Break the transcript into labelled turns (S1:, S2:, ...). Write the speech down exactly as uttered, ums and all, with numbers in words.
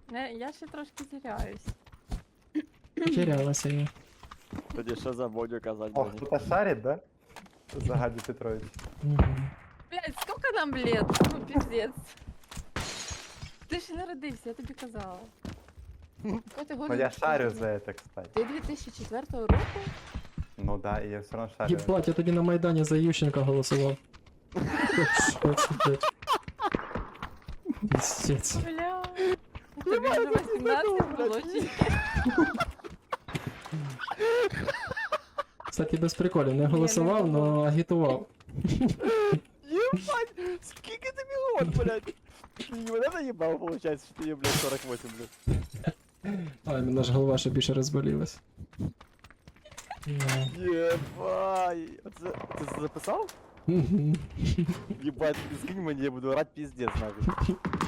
S1: Не, я ще трошки теряюсь.
S2: Потерялася я.
S3: Тоді що за Бодю казати?
S4: Ох,
S3: Бені?
S4: кто-то шарит, да? Загади Петрович.
S2: Мгм.
S1: Блять, сколько нам лет? Ну, пиздец. Ти ж не родився, я тобі казала. Какой ти
S4: Но
S1: год?
S4: я шарю за это, кстати.
S1: Ти дві тисячі четвертого року?
S4: Ну да, и я все равно шарю.
S2: Єбать, я тоді на Майдані за Ющенка голосував. Що це, блядь? Пиздец.
S1: Бля. Тобі вже вісімнадцять було чи ні?
S2: Кстати, без приколів, не голосував, но агітував.
S3: Єбать! Скільки тобі год, блядь? Ти мене наїбав, виходить, що ти є, блядь, сорок восемь, блядь.
S2: Ай, мене ж голова ще більше розболілась. Ну.
S3: Єбай! Оце, ти це записав?
S2: Мгм.
S3: Єбать, скинь мені, я буду орать піздець, нахуй.